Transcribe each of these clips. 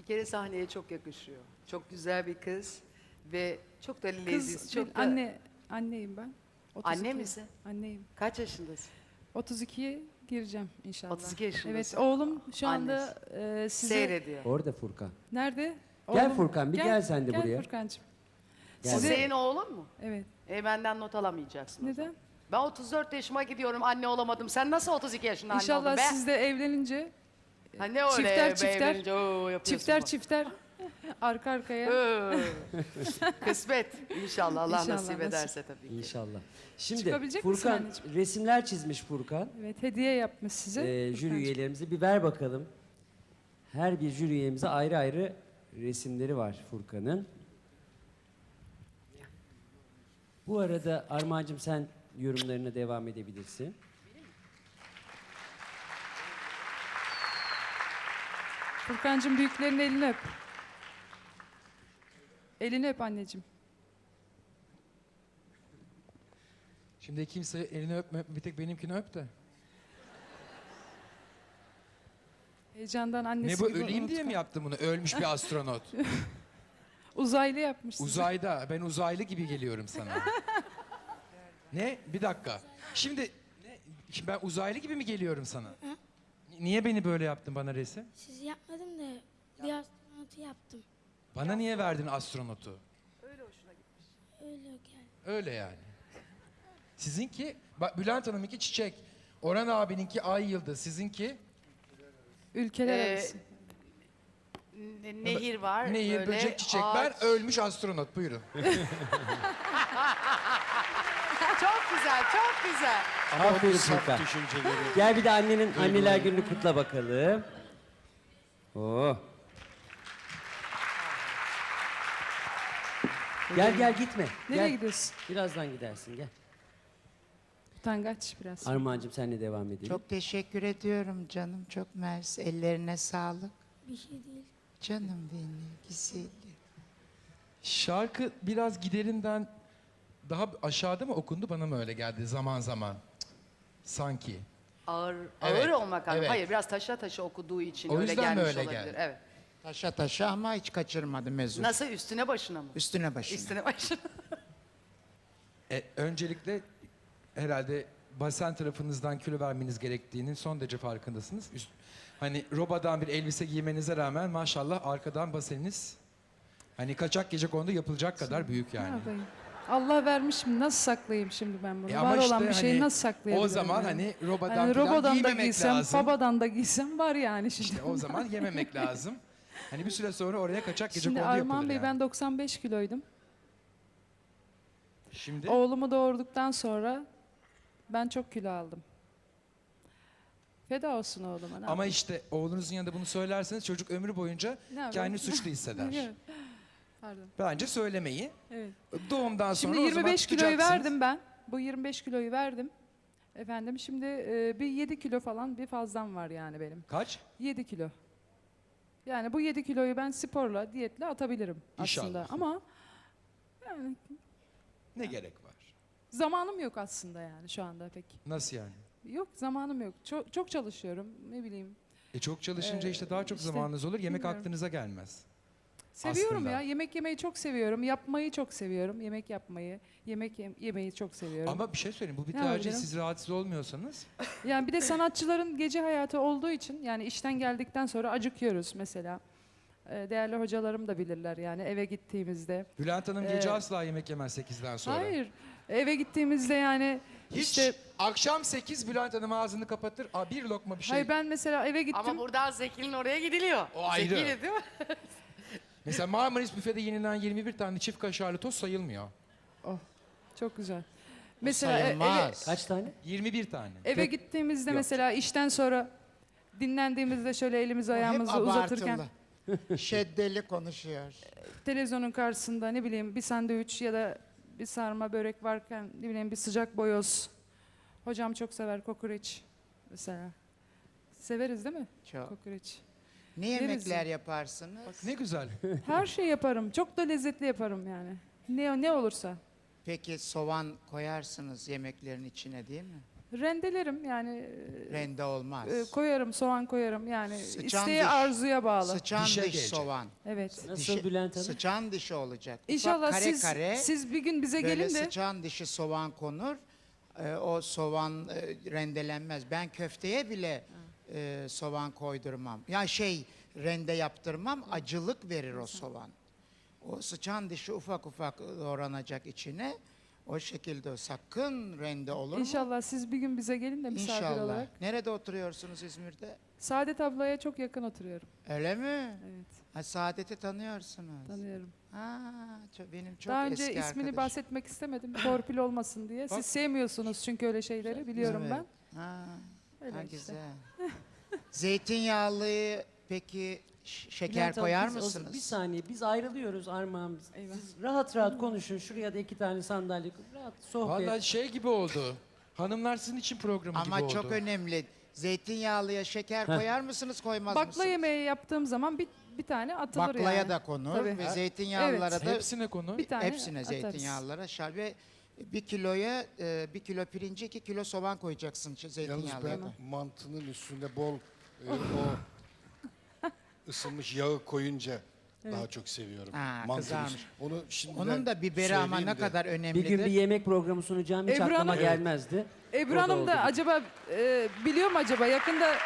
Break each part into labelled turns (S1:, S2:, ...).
S1: Bir kere sahneye çok yakışıyor. Çok güzel bir kız ve çok da leziz.
S2: Kız
S1: Çok da...
S2: anneyim ben.
S1: Anne misin?
S2: Anneyim.
S1: Kaç yaşındasın?
S2: 32'ye gireceğim inşallah.
S1: 32 yaşındasın.
S2: Evet, oğlum şu anda size...
S1: Seyrediyor.
S3: Orada Furkan.
S2: Nerede?
S3: Gel
S2: Oğlum,
S3: Furkan, bir gel sen de buraya.
S2: Gel Furkancığım.
S1: O
S3: Gel.
S1: senin oğlun mu?
S2: Evet.
S1: Benden not alamayacaksın.
S2: Neden?
S1: Ben 34 yaşıma gidiyorum, anne olamadım. Sen nasıl 32 yaşında anne oldun
S2: İnşallah
S1: be?
S2: siz de evlenince
S1: Ha ne öyle
S2: çifter
S1: yapıyorsun
S2: çifter arka arkaya.
S1: Kısmet. İnşallah Allah
S2: İnşallah,
S1: nasip
S2: nasip.
S1: ederse tabii ki.
S3: İnşallah. Şimdi
S2: Çıkabilecek misin
S3: Furkan
S2: anneciğim?
S3: resimler çizmiş Furkan.
S2: Evet, hediye yapmış size.
S3: Jüri
S2: Furkancığım.
S3: üyelerimize bir ver bakalım. Her bir jüri üyemize ayrı ayrı resimleri var Furkan'ın. Bu arada Armağan'cığım sen yorumlarına devam edebilirsin.
S2: Furkancığım büyüklerin elini öp. Elini öp anneciğim.
S4: Şimdi kimse elini öpme, bir tek benimkini öp de.
S2: Heyecandan annesi
S4: Ne bu,
S2: gibi
S4: öleyim diye
S2: unutkan.
S4: mi yaptın bunu? Ölmüş bir astronot.
S2: Uzaylı yapmış size.
S4: Uzayda, ben uzaylı gibi geliyorum sana. Ne? Bir dakika. Şimdi ben uzaylı gibi mi geliyorum sana? Niye beni böyle yaptın bana resim?
S5: Siz yapmadım da bir astronotu yaptım.
S4: Bana niye verdin astronotu?
S5: Öyle geldi.
S4: Öyle yani. Sizinki, bak Bülent Hanım'ınki çiçek. Orhan abininki ay yıldız. Sizinki
S2: Ülkeler arası.
S1: Nehir var.
S4: nehir,
S1: böyle
S4: böcek, çiçekler,
S1: ağaç.
S4: ölmüş astronot. Buyurun.
S1: Çok güzel, çok güzel.
S3: Aferin Furkan. Gel bir de anneler gününü kutla bakalım. Oh. Gel gitme.
S2: Nereye
S3: Gel.
S2: gidiyorsun?
S3: Birazdan gidersin gel.
S2: Utangaç biraz.
S3: Armağan'cığım senle devam edelim.
S6: Çok teşekkür ediyorum canım. Çok mersi. Ellerine sağlık.
S5: Bir şey değil.
S6: Canım benim güzelim.
S4: Şarkı biraz giderinden daha aşağıda mı okundu, bana mı öyle geldi zaman zaman? Sanki.
S1: Ağır,
S4: Evet,
S1: ağır olmak anlamında.
S4: evet.
S1: Hayır, biraz taşa taşa okuduğu için
S4: O
S1: öyle
S4: yüzden mi
S1: gelmiş
S4: öyle
S1: olabilir.
S4: geldi?
S1: Evet.
S6: Taşa taşa ama hiç kaçırmadım mezun.
S1: Nasıl, üstüne başına mı?
S6: Üstüne başına.
S1: Üstüne başına.
S4: Öncelikle herhalde basen tarafınızdan kilo vermeniz gerektiğinin son derece farkındasınız. Hani robadan bir elbise giymenize rağmen maşallah arkadan baseniniz hani kaçak gecekondu yapılacak kadar büyük
S2: Ne
S4: yani.
S2: yapayım? Allah vermiş mi? Nasıl saklayayım şimdi ben bunu?
S4: Ama
S2: Var
S4: işte
S2: olan bir şeyi
S4: hani
S2: nasıl saklayabilirim?
S4: o zaman
S2: yani?
S4: hani robadan
S2: Hani
S4: falan
S2: robodan da
S4: giymemek
S2: giysem,
S4: lazım.
S2: babadan da giysem var yani şimdi.
S4: İşte o zaman yememek lazım. Hani bir süre sonra oraya kaçak
S2: Şimdi
S4: gecekondu yapılır
S2: Armağan Bey
S4: yani.
S2: ben 95 kiloydum.
S4: Şimdi
S2: Oğlumu doğurduktan sonra ben çok kilo aldım. Feda olsun oğluma. Ne
S4: ama
S2: yapayım?
S4: işte oğlunuzun yanında bunu söylerseniz çocuk ömrü boyunca
S2: Ne yapayım?
S4: kendini suçlu hisseder.
S2: Evet. Pardon.
S4: Bence söylemeyi.
S2: Evet.
S4: Doğumdan sonra
S2: Şimdi
S4: o zaman
S2: 25 kiloyu
S4: tutacaksınız.
S2: verdim ben. Bu 25 kiloyu verdim. Efendim şimdi bir 7 kilo falan bir fazlam var yani benim.
S4: Kaç?
S2: 7 kilo. Yani bu 7 kiloyu ben sporla, diyetle atabilirim aslında.
S4: İnşallah.
S2: Ama yani
S4: Ne gerek var?
S2: zamanım yok aslında yani şu anda pek.
S4: Nasıl yani?
S2: Yok, zamanım yok. Çok çalışıyorum, ne bileyim.
S4: Çok çalışınca işte daha çok
S2: işte
S4: zamanınız olur. Yemek
S2: bilmiyorum.
S4: aklınıza gelmez.
S2: Seviyorum
S4: Aslında.
S2: ya. Yemek yemeyi çok seviyorum. Yapmayı çok seviyorum. Yemek yapmayı, yemeyi çok seviyorum.
S4: Ama bir şey söyleyeyim. Bu bir
S2: Ne
S4: tercih.
S2: yapabilirim?
S4: Siz rahatsız olmuyorsanız.
S2: Yani bir de sanatçıların gece hayatı olduğu için yani işten geldikten sonra acıkıyoruz mesela. Değerli hocalarım da bilirler yani eve gittiğimizde.
S4: Bülent Hanım gece asla yemek yemez 8'den sonra.
S2: Hayır. Eve gittiğimizde yani
S4: Hiç
S2: işte
S4: akşam 8 Bülent Hanım ağzını kapatır. Bir lokma bir şey.
S2: hayır ben mesela eve gittim.
S1: Ama buradan Zeki'nin oraya gidiliyor.
S4: O ayrı.
S1: Zeki'yle değil mi?
S4: Mesela Marmaris büfede yenilen 21 tane çift kaşarlı tost sayılmıyor.
S2: Çok güzel. Mesela
S6: Sayılmaz.
S3: Kaç tane?
S4: 21 tane.
S2: eve gittiğimizde
S4: Yok.
S2: mesela işten sonra dinlendiğimizde şöyle elimizi
S6: O hep
S2: ayağımızı uzatırken
S6: abartılı. Şeddeli konuşuyor.
S2: televizyonun karşısında ne bileyim bir sandviç ya da bir sarma börek varken ne bileyim bir sıcak boyoz. Hocam çok sever kokoreç mesela. Severiz değil mi?
S6: Çok.
S2: Kokoreç.
S6: Ne
S2: Yeriz
S6: yemekler
S2: ya.
S6: yaparsınız?
S4: Ne güzel.
S2: Her şey yaparım. Çok da lezzetli yaparım yani. Ne olursa.
S6: Peki soğan koyarsınız yemeklerin içine değil mi?
S2: Rendelerim yani
S6: Rende olmaz.
S2: koyarım, soğan koyarım yani
S6: Sıçan
S2: isteği
S6: diş.
S2: arzuya bağlı.
S6: Sıçan
S4: Dişe
S6: diş
S4: gelecek.
S6: soğan.
S2: Evet.
S3: Nasıl Bülent Hanım?
S6: Sıçan dişi olacak. Ufak
S2: İnşallah
S6: kare kare
S2: siz bir gün bize
S6: böyle
S2: gelin de
S6: sıçan dişi soğan konur. O soğan rendelenmez. Ben köfteye bile soğan koydurmam. Ya rende yaptırmam. Acılık verir o soğan. O sıçan dişi ufak ufak doğranacak içine. O şekilde sakın rende olur mu?
S2: İnşallah siz bir gün bize gelin de misafir
S6: İnşallah.
S2: olarak.
S6: Nerede oturuyorsunuz İzmir'de?
S2: Saadet ablaya çok yakın oturuyorum.
S6: Öyle mi?
S2: Evet,
S6: Ha, Saadet'i tanıyorsunuz.
S2: tanıyorum.
S6: Ha, benim çok
S2: Daha
S6: eski
S2: önce ismini
S6: arkadaşım.
S2: bahsetmek istemedim. Torpil olmasın diye. Siz sevmiyorsunuz çünkü öyle şeyleri biliyorum
S6: Evet.
S2: ben.
S6: Ha,
S2: Öyle
S6: ha,
S2: işte.
S6: güzel. Zeytinyağlıyı peki şeker
S3: Bülent Hanım,
S6: koyar
S3: biz
S6: mısınız?
S3: Bir saniye biz ayrılıyoruz Armağan.
S2: Eyvah.
S3: Siz rahat rahat konuşun. Şuraya da 2 tane sandalye koyun. Rahat sohbet.
S4: Vallahi şey gibi oldu. Hanımlar sizin için programı gibi
S6: Ama
S4: oldu.
S6: çok önemli. Zeytinyağlıya şeker koyar mısınız, koymaz
S2: Bakla
S6: mısınız?
S2: yemeği yaptığım zaman bir tane atılır
S6: Baklaya
S2: yani.
S6: da konur
S2: Tabii.
S6: ve zeytinyağlılara da
S4: Hepsine konu.
S2: Bir tane
S6: hepsine
S2: atarız.
S6: zeytinyağlılara ve 1 kilo pirince 2 kilo soğan koyacaksın
S7: Yalnız
S6: zeytinyağlıya
S7: ben
S6: da.
S7: mantının üstüne bol o ısınmış yağı koyunca daha çok seviyorum.
S6: Ha,
S7: Mantının
S6: kızarmış.
S7: üstüne. Onu şimdiden
S6: Onun da biberi ama
S7: söyleyeyim
S6: ne
S7: de.
S6: kadar
S3: Bir
S6: önemlidir.
S3: gün bir yemek programı sunacağım hiç
S2: Ebru
S3: aklıma
S2: Hanım-
S3: gelmezdi.
S2: Ebru
S3: O da
S2: Hanım
S3: oldu.
S2: da acaba biliyor mu acaba yakında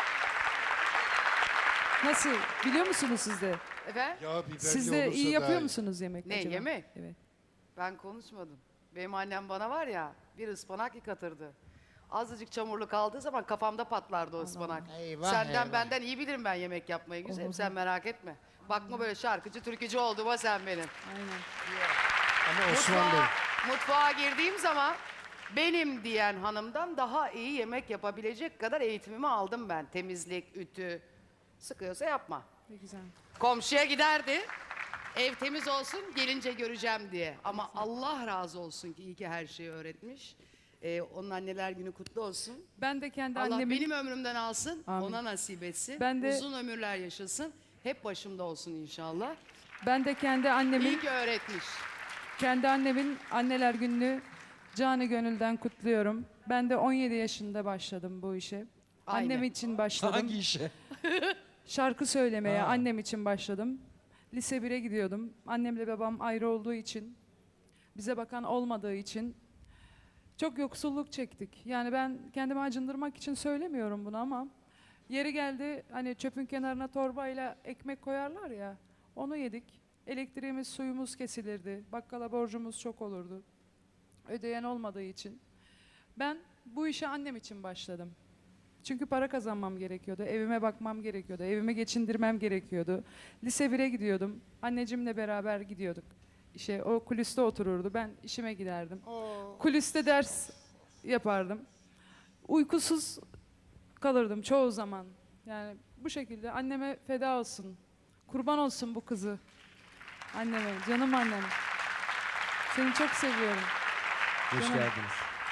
S2: nasıl biliyor musunuz siz de?
S1: Efendim?
S7: Yağ biberli
S2: Siz de
S7: olursa
S2: iyi yapıyor
S7: daha iyi.
S2: musunuz yemek
S1: Ne,
S2: acaba?
S1: yemek?
S2: Evet.
S1: Ben konuşmadım. Benim annem bana var ya bir ıspanak yıkatırdı. Azıcık çamurlu kaldığı zaman kafamda patlardı o ıspanak.
S6: Eyvah,
S1: Senden
S6: eyvah.
S1: benden iyi bilirim ben yemek yapmayı güzelim. Sen merak etme. Bakma böyle şarkıcı türkücü olduğuma sen benim.
S2: Aynen.
S7: Ama Osman Bey.
S1: Mutfağa girdiğim zaman benim diyen hanımdan daha iyi yemek yapabilecek kadar eğitimimi aldım ben. Temizlik, ütü. Sıkıyorsa yapma.
S2: Ne güzel.
S1: Komşuya giderdi. Ev temiz olsun gelince göreceğim diye. Ama Allah razı olsun ki iyi ki her şeyi öğretmiş. Onun anneler günü kutlu olsun.
S2: Ben de kendi
S1: Allah
S2: annemin
S1: benim ömrümden alsın,
S2: Amin.
S1: ona nasip etsin.
S2: Ben de-
S1: Uzun ömürler yaşasın. Hep başımda olsun inşallah.
S2: ben de kendi annemin
S1: İyi ki öğretmiş.
S2: anneler gününü canı gönülden kutluyorum. Ben de 17 yaşında başladım bu işe.
S1: Aynen.
S2: Annem için başladım.
S4: Hangi işe?
S2: Şarkı söylemeye
S4: Ha.
S2: annem için başladım. Lise 1'e gidiyordum. Annemle babam ayrı olduğu için, bize bakan olmadığı için çok yoksulluk çektik. Yani ben kendimi acındırmak için söylemiyorum bunu ama yeri geldi hani çöpün kenarına torbayla ekmek koyarlar ya, onu yedik. Elektriğimiz, suyumuz kesilirdi. Bakkala borcumuz çok olurdu. Ödeyen olmadığı için. Ben bu işe annem için başladım. Çünkü para kazanmam gerekiyordu, evime bakmam gerekiyordu, evimi geçindirmem gerekiyordu. Lise 1'e gidiyordum, anneciğimle beraber gidiyorduk. İşte o kulüste otururdu, ben işime giderdim. Kulüste ders yapardım. Uykusuz kalırdım çoğu zaman. Yani bu şekilde anneme feda olsun, kurban olsun bu kızı. Anneme, canım annem. Seni çok seviyorum.
S3: Hoş
S2: Canım.
S3: geldiniz.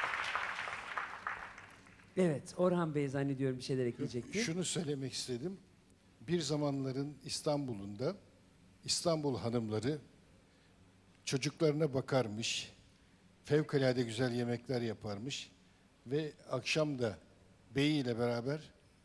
S3: Evet, Orhan Bey zannediyorum bir şeyler ekleyecekti.
S7: Şunu söylemek istedim. Bir zamanların İstanbul'unda İstanbul hanımları çocuklarına bakarmış, fevkalade güzel yemekler yaparmış ve akşam da beyiyle beraber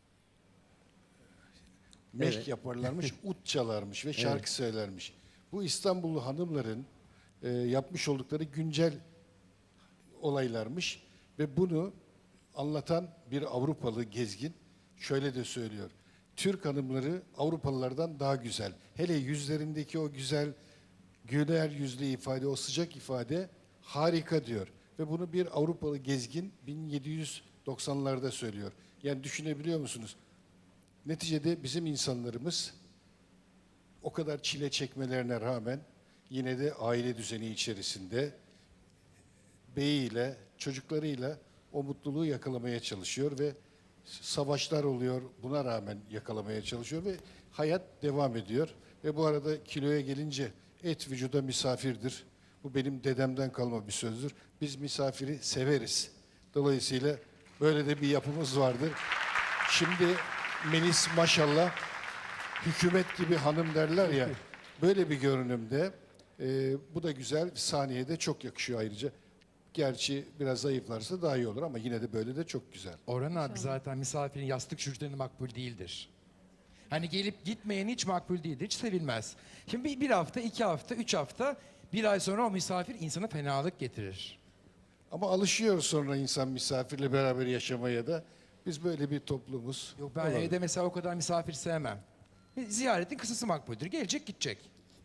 S7: meşk
S3: Evet.
S7: yaparlarmış, ut çalarmış ve şarkı söylermiş. Bu İstanbullu hanımların yapmış oldukları güncel olaylarmış ve bunu anlatan bir Avrupalı gezgin şöyle de söylüyor. Türk hanımları Avrupalılardan daha güzel. Hele yüzlerindeki o güzel güler yüzlü ifade, o sıcak ifade harika diyor. Ve bunu bir Avrupalı gezgin 1790'larda söylüyor. Yani düşünebiliyor musunuz? Neticede bizim insanlarımız o kadar çile çekmelerine rağmen yine de aile düzeni içerisinde beyiyle, çocuklarıyla o mutluluğu yakalamaya çalışıyor ve savaşlar oluyor, buna rağmen yakalamaya çalışıyor ve hayat devam ediyor. Ve bu arada kiloya gelince et vücuda misafirdir. Bu benim dedemden kalma bir sözdür. Biz misafiri severiz. Dolayısıyla böyle de bir yapımız vardır. Şimdi Melis maşallah hükümet gibi hanım derler ya, böyle bir görünümde bu da güzel, sahneye de çok yakışıyor ayrıca. Gerçi biraz zayıflarsa daha iyi olur ama yine de böyle de çok güzel.
S4: Orhan abi zaten misafirin yastık şuşları makbul değildir. Hani gelip gitmeyen hiç makbul değildir, hiç sevilmez. Şimdi bir hafta, 2 hafta, 3 hafta, bir ay sonra o misafir insana fenalık getirir.
S7: Ama alışıyor sonra insan misafirle beraber yaşamaya da. Biz böyle bir toplumuz.
S4: Yok ben
S7: Olabilir.
S4: evde mesela o kadar misafir sevmem. Ziyaretin kısası makbuldür. Gelecek gidecek.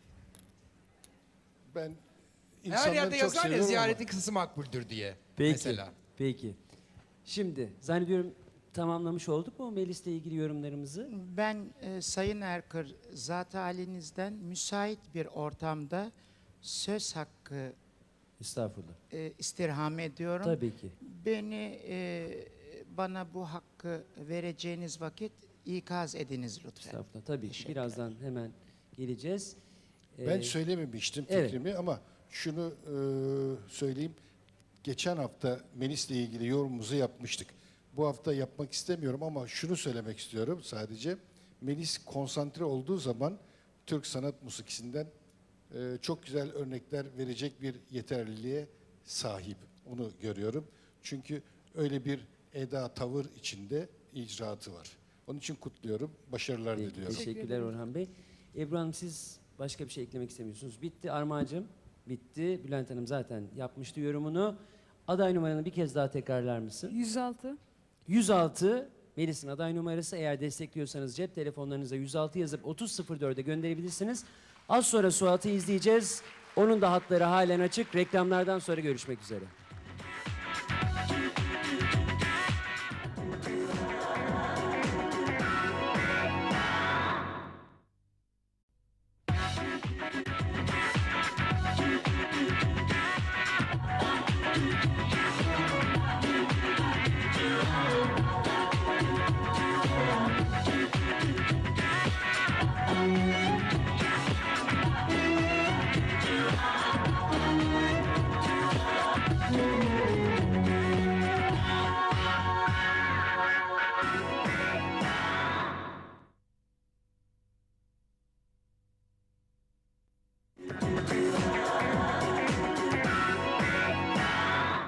S7: Ben
S4: Her
S7: insanları
S4: yerde
S7: çok
S4: yazar ya
S7: seviyorum
S4: ziyaretin kısası makbuldür diye.
S3: Peki.
S4: Mesela.
S3: Peki. Şimdi zannediyorum tamamlamış olduk mu Melis'le ilgili yorumlarımızı?
S6: Ben Sayın Erkır, zat halinizden müsait bir ortamda söz hakkı
S3: Estağfurullah.
S6: istirham ediyorum.
S3: Tabii ki.
S6: Bana bu hakkı vereceğiniz vakit ikaz ediniz lütfen.
S3: Estağfurullah. Tabii ki.
S6: Teşekkür
S3: Birazdan hemen geleceğiz.
S7: Ben söylememiştim
S3: evet.
S7: fikrimi ama şunu söyleyeyim. Geçen hafta Melis'le ilgili yorumumuzu yapmıştık. Bu hafta yapmak istemiyorum ama şunu söylemek istiyorum sadece. Melis konsantre olduğu zaman Türk sanat musikisinden çok güzel örnekler verecek bir yeterliliğe sahip. Onu görüyorum. Çünkü öyle bir eda, tavır içinde icraatı var. Onun için kutluyorum. Başarılar
S3: Peki,
S7: diliyorum.
S3: teşekkürler Orhan Bey. Ebru Hanım siz başka bir şey eklemek istemiyorsunuz. Bitti Armağan'cığım. Bitti. Bülent Hanım zaten yapmıştı yorumunu. Aday numaranı bir kez daha tekrarlar mısın?
S2: 106.
S3: 106 Melis'in aday numarası. Eğer destekliyorsanız cep telefonlarınıza 106 yazıp 3004'e gönderebilirsiniz. Az sonra Suat'ı izleyeceğiz. Onun da hatları halen açık. Reklamlardan sonra görüşmek üzere.